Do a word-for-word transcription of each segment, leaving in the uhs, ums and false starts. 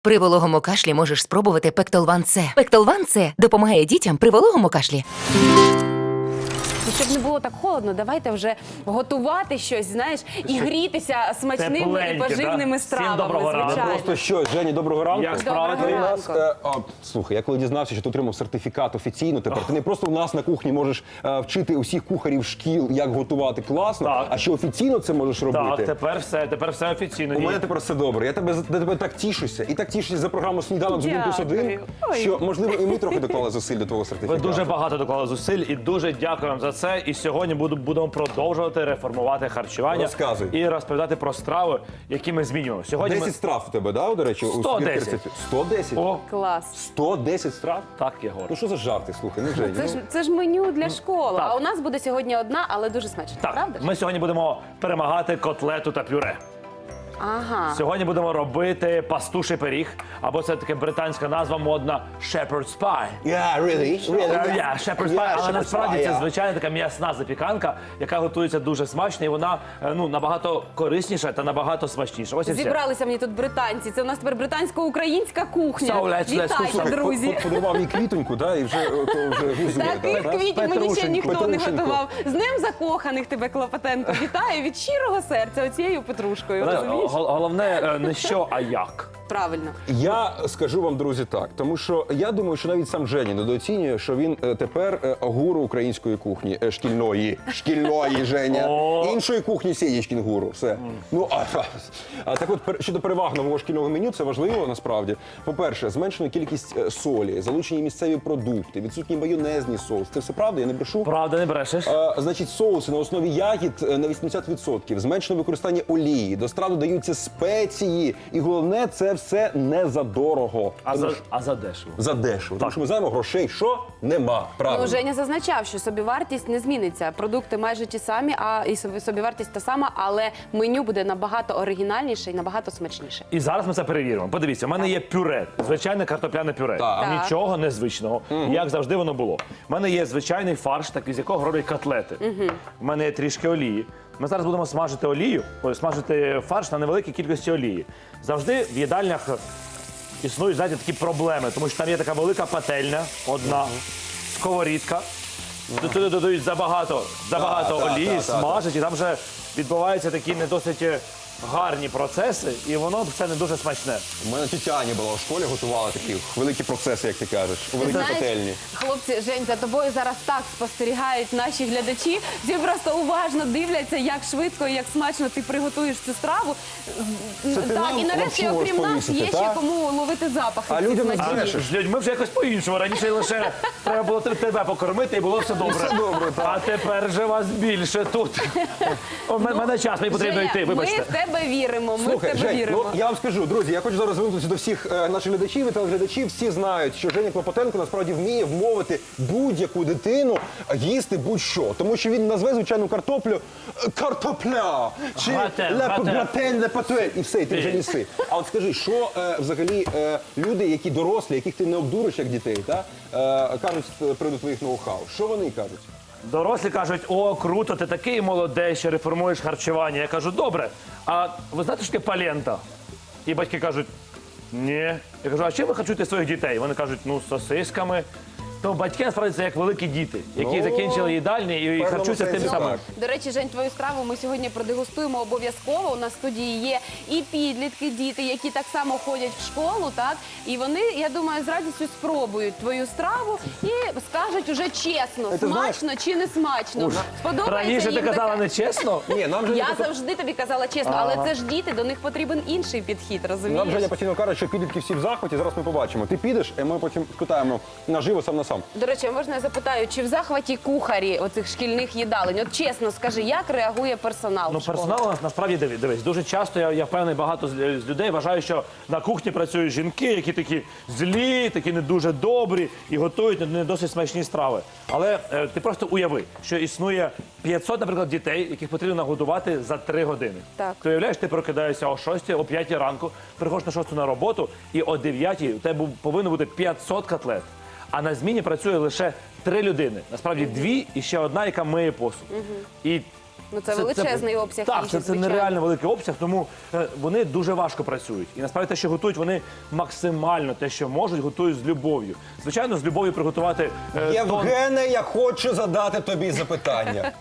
При вологому кашлі можеш спробувати Пектолван С. Пектолван С допомагає дітям при вологому кашлі. І щоб не було так холодно, давайте вже готувати щось, знаєш, і грітися смачними і Тепленьке, поживними да? стравами, Всім доброго ранку. звичайно. Просто що, Жені, доброго ранку. Як справи Доброго твої? ранку. Е, а, слухай, я коли дізнався, що ти отримав сертифікат офіційно, тепер ти не просто у нас на кухні можеш е, вчити усіх кухарів шкіл, як готувати класно, Так. а що офіційно це можеш робити. Так, тепер все, тепер все офіційно. У І- мене тепер все добре. Я тебе за я тебе так тішуся. І так тішуся за програму «Сніданок з один плюс один», Дякую. Ой. що, можливо, і ми трохи доклали зусиль до твого Ви сертифікату. дуже багато доклали зусиль і дуже дякую вам за це. І сьогодні буду, будемо продовжувати реформувати харчування Розказуй. і розповідати про страви, які ми змінюємо. Сьогодні десять страв у тебе, да, до речі? у сто своїх десять. рецептів? сто десять? ми... О, Клас. сто десять страв? так, Єгор. Ну що за жарти, слухай, ну Жені. Це ну. ж, це ж меню для школи, Так. а у нас буде сьогодні одна, але дуже смачна, Так, правда ж? ми сьогодні будемо перемагати котлету та пюре. Ага. Сьогодні будемо робити пастуший пиріг, або це таке британська назва модна shepherd's pie. Yeah, really? Really? Е, yeah, shepherd's pie, Yeah, але shepherd's насправді pie, це yeah. звичайна така м'ясна запіканка, яка готується дуже смачно, і вона е, ну, набагато корисніша та набагато смачніша. Ось і все. Зібралися мені тут британці. Це у нас тепер британсько-українська кухня. So, let's- let's Вітайте, cook some- друзі. Подарував їй квітоньку, да, і вже, о, то вже гузує. Таких да? квітів мені ще Петрушеньку, ніхто не Петрушеньку. готував. З Днем закоханих тебе, Клопотенко. Вітаю від щирого серця оцією петрушкою. Знаєш, Розумієш? гол- Головне е, не що, а як. Правильно. Я скажу вам, друзі, так, тому що я думаю, що навіть сам Женя недооцінює, що він е, тепер е, гуру української кухні, е, шкільної, шкільної, Женя. О. Іншої кухні Сєнічкін гуру, все. Ну, а, а так от, пер- щодо переваг нового шкільного меню, це важливо, насправді. По-перше, зменшена кількість е, солі, залучені місцеві продукти, відсутній майонезний соус. Це все правда, я не брешу? Правда, не брешеш? Е, Значить, соуси на основі ягід е, на вісімдесят відсотків, зменшено використання олії, до страв додаються спеції. І головне, це все не за дорого. А Тому за, що- а за дешево. за дешево. Тому що ми знаємо, грошей що? Нема. Правильно. Ну, Женя зазначав, що собівартість не зміниться. Продукти майже ті самі, а і собі- собівартість та сама, але меню буде набагато оригінальніше і набагато смачніше. І зараз ми це перевіримо. Подивіться, у мене є пюре, звичайне картопляне пюре. Так. Так. Нічого незвичного, як завжди воно було. У мене є звичайний фарш, такий, з якого роблять котлети. У мене є трішки олії. Ми зараз будемо смажити олію, ой, смажити фарш на невеликій кількості олії. Завжди в їдальнях існують, знаєте, такі проблеми, тому що там є така велика пательня, одна, сковорідка. Туди додають забагато, забагато Так, так, олії, так, так, смажать, і там вже відбуваються такі не досить гарні процеси, і воно все не дуже смачне. У мене тітя Аня була у школі, готувала такі великі процеси, як ти кажеш, у великій Знаєш, пательні. хлопці, Жень, за тобою зараз так спостерігають наші глядачі. Всі просто уважно дивляться, як швидко і як смачно ти приготуєш цю страву. ти Так, нам і нарешті, лапшу окрім нас, розповісити, є ще так? кому ловити запахи. А цих людям не смачних. брешеш. З людьми вже якось по-іншому. Раніше лише треба було тебе покормити, і було все добре. Все добре, так. А тепер же вас більше тут. У мене мене час, мені потрібно Женя, йти, ми вибачте. в тебе віримо, ми Слухай, в тебе Жень, віримо. ну я вам скажу, друзі, я хочу зараз звернутися до всіх е, наших глядачів і телеглядачів. Всі знають, що Женя Клопотенко насправді вміє вмовити будь-яку дитину їсти будь-що. Тому що він назве звичайну картоплю е, картопля чи Гратен, ле- гратен. гратен, лепатуель, і все, і ти вже їси. А от скажи, що е, взагалі е, люди, які дорослі, яких ти не обдуриш як дітей, та, е, кажуть з приводу твоїх ноу-хау? Що вони кажуть? Дорослі кажуть, о, круто, ти такий молодець, що реформуєш харчування. Я кажу, добре, а ви знаєте, що таке палента? І батьки кажуть, ні. Я кажу, а чим ви харчуєте своїх дітей? Вони кажуть, ну, з сосисками. То батьки, насправді, це як великі діти, які Ну, закінчили їдальні і певному харчуються тим сенсі самим. так. До речі, Жень, твою страву ми сьогодні продегустуємо обов'язково. У нас в студії є і підлітки, діти, які так само ходять в школу, так? І вони, я думаю, з радістю спробують твою страву і скажуть уже чесно, Ти знаєш- смачно чи не смачно. Сподобається Раніше ти їм казала таке? нечесно. Ні, нам же Я завжди тобі казала чесно, але Ага. це ж діти, до них потрібен інший підхід, розумієш? Нам Женя постійно каже, що підлітки всі в захваті, зараз ми побачимо. Ти підеш, і ми потім спитаємо наживо сам на сам. До речі, можна я запитаю, чи в захваті кухарі оцих шкільних їдалень? От чесно скажи, як реагує персонал? Ну, в школах? персонал у нас насправді дивись, дивись. Дуже часто я, я впевнений, багато з, з людей вважають, що на кухні працюють жінки, які такі злі, такі не дуже добрі і готують не, не досить смачні страви. Але е, ти просто уяви, що існує п'ятсот, наприклад, дітей, яких потрібно нагодувати за три години. Так. Ти уявляєш, ти прокидаєшся о шостій, о п'ятій ранку, приходиш на шосту на роботу, і о дев'ятій у тебе повинно бути п'ятсот котлет. А на зміні працює лише три людини. Насправді дві і ще одна, яка миє посуд. І Ну, це величезний обсяг Так, їжі, це, це звичайно. нереально великий обсяг, тому е, вони дуже важко працюють. І насправді те, що готують, вони максимально те, що можуть, готують з любов'ю. Звичайно, з любов'ю приготувати е, тон. Євгене, я хочу задати тобі запитання.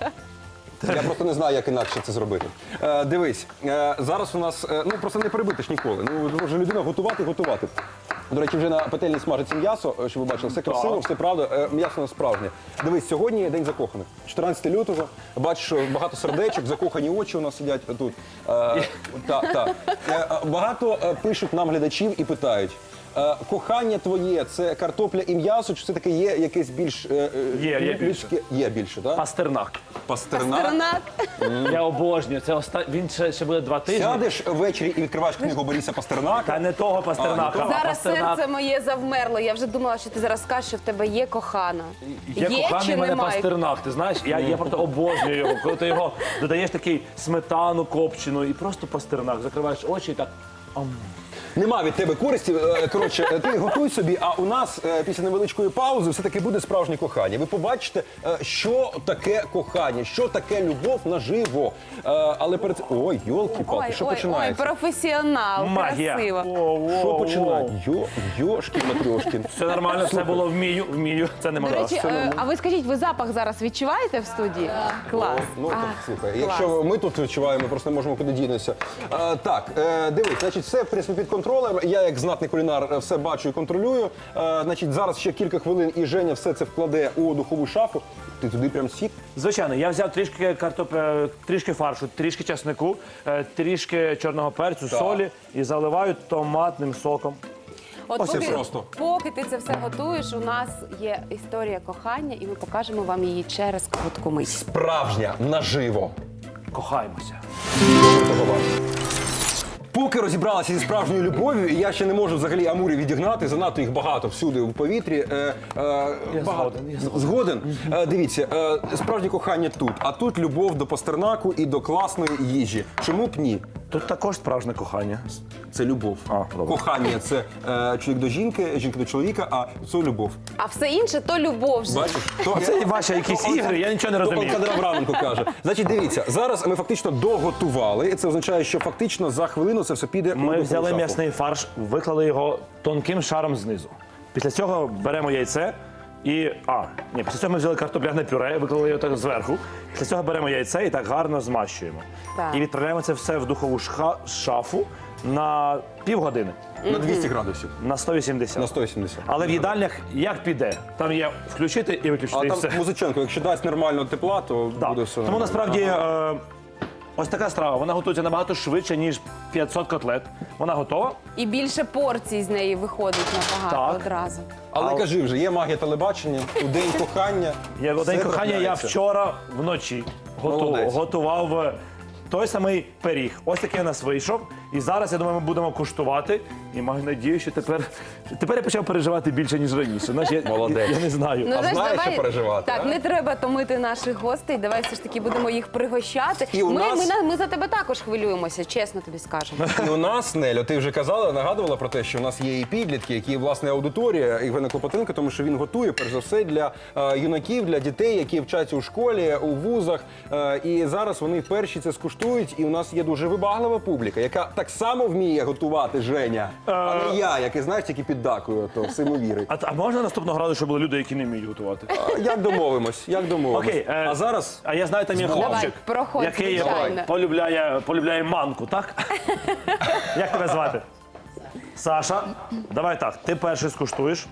Я просто не знаю, як інакше це зробити. Е, дивись, е, зараз у нас, е, ну просто не перебити ж ніколи. Ну, може людина готувати, готувати. До речі, вже на пательні смажиться м'ясо, е, щоб ви бачили, все красиво, все правда, е, м'ясо не справжнє. Дивись, сьогодні день закоханих. чотирнадцяте лютого, бачиш, що багато сердечок, закохані очі у нас сидять тут. Е, та, та. Е, багато е, пишуть нам глядачів і питають. Е, Кохання твоє це картопля і м'ясо, чи все-таки є якесь більш е, е, Є, є людське? Є більше, так? Пастернак. Пастернак. Тернак. Я обожнюю. Це оста... Він ще, ще буде два тижні. Сядеш ввечері і відкриваєш книгу Бориса Пастернака. Та не того Пастернака, А, не а, Зараз Пастернак. серце моє завмерло. Я вже думала, що ти зараз скажеш, що в тебе є кохана. Є, коханий чи в мене немає? Пастернак, ти знаєш, я, я просто обожнюю його. Коли ти його додаєш такий сметану копчену і просто Пастернак, закриваєш очі і так. ам. Нема від тебе користі. Е, Коротше, е, ти готуй собі, а у нас е, після невеличкої паузи все-таки буде справжнє кохання. Ви побачите, е, що таке кохання, що таке любов наживо. Е, Але перед цим... Ой, йолки-палки, Ой, що ой, ой, починається? професіонал, Магія. красиво. Що починається? Йо, Йошкін Матрьошкін. Все нормально, все було вмію, вмію. Це не До моя. речі, е, а ви скажіть, ви запах зараз відчуваєте в студії? Клас. Ну, так, А, слухай, клас. якщо ми тут відчуваємо, просто не можемо куди дінутися. Е, так, е, дивись, значить, все в принципі, під контролем. Я, як знатний кулінар, е, все бачу і контролюю. Е, значить, зараз ще кілька хвилин і Женя все це вкладе у духову шафу. Ти туди прям сік. Звичайно, я взяв трішки картопля, трішки фаршу, трішки часнику, е, трішки чорного перцю, Так. солі і заливаю томатним соком. От Ось і поки, просто. поки ти це все готуєш, у нас є історія кохання, і ми покажемо вам її через коротку мить. Справжня, наживо. Кохаємося. Поки розібралася зі справжньою любов'ю, і я ще не можу взагалі амурів відігнати, занадто їх багато всюди у повітрі. Е, е, Я багато. згоден, я згоден. Згоден? Е, дивіться, е, справжнє кохання тут, а тут любов до Пастернаку і до класної їжі. Чому б ні? Тут також справжнє кохання. Це любов. А, добре. Кохання це е, чоловік до жінки, жінка до чоловіка, а це любов. А все інше то любов. же. Бачиш? То, Це ваші якісь ігри, я нічого не розумію. Олександр Абраменко каже. Значить, дивіться, зараз ми фактично доготували, і це означає, що фактично за хвилину це все піде у Ми духову взяли шафу. м'ясний фарш, виклали його тонким шаром знизу. Після цього беремо яйце і. А, ні, після цього ми взяли картопляне пюре, виклали його так зверху. Після цього беремо яйце і так гарно змащуємо. Так. І відправляємо це все в духову шха- шафу на півгодини, На двісті градусів. на сто вісімдесят. На сто вісімдесят. Але в їдальнях як піде? Там є включити і виключити. А і там все. Музиченко, якщо дасть нормально тепла, то Так. буде все Тому нормально. насправді е, ось така страва, вона готується набагато швидше, ніж п'ятсот котлет. Вона готова. І більше порцій з неї виходить набагато Так. одразу. Але А- кажи вже, є магія телебачення, у день кохання. Я все день кохання я трапляється. вчора вночі готу, Молодець. готував е, той самий пиріг. Ось такий у нас вийшов. І зараз, я думаю, ми будемо куштувати. І маю надію, що тепер, тепер я почав переживати більше, ніж раніше. Знаєш, я, Молодець. я не знаю. Ну, знаєш, знаєш, давай... що переживати, Так, а? не треба томити наших гостей, давай все ж таки будемо їх пригощати. І у ми, нас- ми, на- ми за тебе також хвилюємося, чесно тобі скажемо. І у нас, Нелю, ти вже казала, нагадувала про те, що у нас є і підлітки, які, власне, аудиторія Євгена Клопотенка, тому що він готує, перш за все, для е, юнаків, для дітей, які вчаться у школі, у вузах. Е, і зараз вони перші це скуштують. І у нас є дуже вибаглива публіка, яка так само вміє готувати, Женя. А не я, який, знаєш, тільки піддакую, то всьому вірить. А, а можна наступного разу, щоб були люди, які не вміють готувати? А, Як домовимось? Як домовимось? Окей, е, а зараз А я знаю, там є Давай, хлопчик, проходь, який звичайно. полюбляє, полюбляє манку, так? Як тебе звати? Саша, давай так, ти перший скуштуєш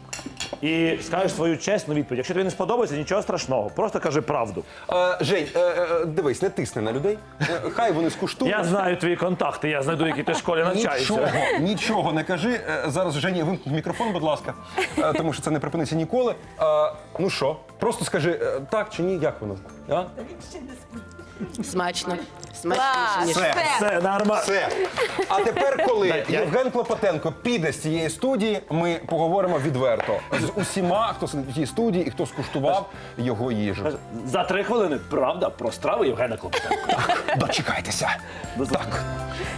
і скажеш свою чесну відповідь. Якщо тобі не сподобається, нічого страшного, просто кажи правду. Е, Жень, е, е, дивись, не тисни на людей. Е, Хай вони скуштують. Я знаю твої контакти, я знайду, які ти в школі навчаєшся. Нічого, нічого не кажи. Е, Зараз Жені вимкнуть мікрофон, будь ласка, е, тому що це не припиниться ніколи. Е, Ну що, просто скажи е, так чи ні, як воно? А? Смачно. Клас, Смачніше, ніж. все. Все, нормально. Все. А тепер, коли я- Євген Клопотенко піде з цієї студії, ми поговоримо відверто з усіма, хто сидить у цій студії і хто скуштував його їжу. За три хвилини, правда, про страви Євгена Клопотенка. Дочекайтеся. Так.